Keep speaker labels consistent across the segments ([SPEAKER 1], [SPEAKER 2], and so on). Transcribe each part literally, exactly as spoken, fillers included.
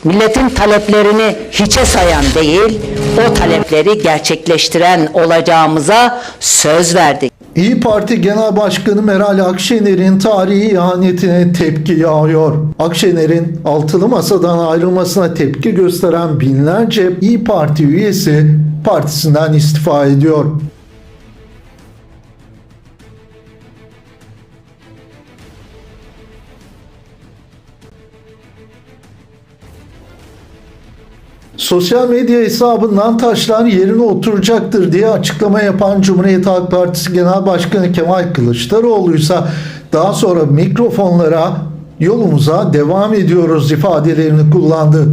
[SPEAKER 1] Milletin taleplerini hiçe sayan değil, o talepleri gerçekleştiren olacağımıza söz verdik.
[SPEAKER 2] İYİ Parti Genel Başkanı Meral Akşener'in tarihi ihanetine tepki yağıyor. Akşener'in altılı masadan ayrılmasına tepki gösteren binlerce İYİ Parti üyesi partisinden istifa ediyor. Sosyal medya hesabından taşlar yerine oturacaktır diye açıklama yapan Cumhuriyet Halk Partisi Genel Başkanı Kemal Kılıçdaroğlu ise daha sonra mikrofonlara yolumuza devam ediyoruz ifadelerini kullandı.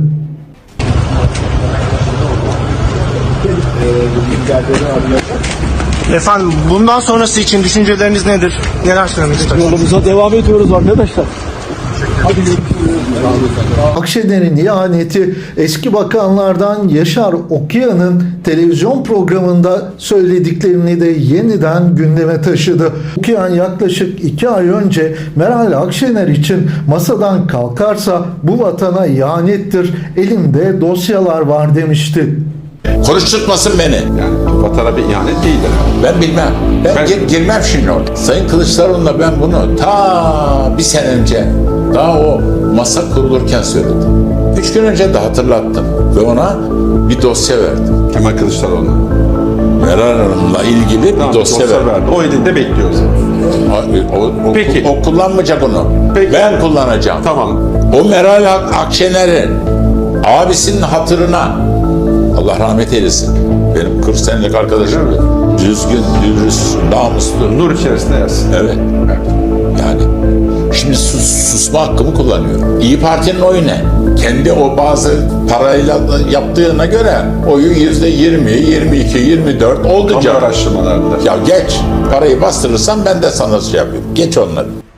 [SPEAKER 3] Efendim bundan sonrası için düşünceleriniz nedir? Neler söylemek istersiniz?
[SPEAKER 4] Yolumuza devam ediyoruz arkadaşlar. Hadi
[SPEAKER 2] Akşener'in ihaneti eski bakanlardan Yaşar Okuyan'ın televizyon programında söylediklerini de yeniden gündeme taşıdı. Okuyan yaklaşık iki ay önce Meral Akşener için masadan kalkarsa bu vatana ihanettir, elimde dosyalar var demişti.
[SPEAKER 5] Konuşturtmasın beni.
[SPEAKER 6] Yani vatana bir ihanet değildir.
[SPEAKER 5] Ben bilmem. Ben,
[SPEAKER 6] Ben-
[SPEAKER 5] gir- girmem şimdi orada. Sayın Kılıçdaroğlu'na ben bunu ta bir sene önce daha o masa kurulurken söyledim. Üç gün önce de hatırlattım. Ve ona bir dosya verdim.
[SPEAKER 6] Kemal Kılıçdaroğlu'na.
[SPEAKER 5] Meral Hanım'la ilgili
[SPEAKER 6] Tamam,
[SPEAKER 5] bir dosya verdim.
[SPEAKER 6] verdi. O elinde bekliyoruz.
[SPEAKER 5] O, o, o,
[SPEAKER 6] Peki.
[SPEAKER 5] o kullanmayacak onu.
[SPEAKER 6] Peki.
[SPEAKER 5] Ben kullanacağım.
[SPEAKER 6] Tamam.
[SPEAKER 5] O Meral Ak- Akşener'in abisinin hatırına, Allah rahmet eylesin, benim kırk senelik arkadaşım, düzgün, dürüst, namuslu.
[SPEAKER 6] Nur içerisinde yersin.
[SPEAKER 5] Evet. Yani şimdi sus, susma hakkımı kullanıyorum. İYİ Parti'nin oyu ne? Kendi o bazı parayla yaptığına göre oyu yüzde yirmi, yirmi iki, yirmi dört oldu
[SPEAKER 6] Kamu
[SPEAKER 5] canım.
[SPEAKER 6] araştırmalarında.
[SPEAKER 5] Ya geç. Parayı bastırırsan ben de sana şey yapıyorum. Geç onları.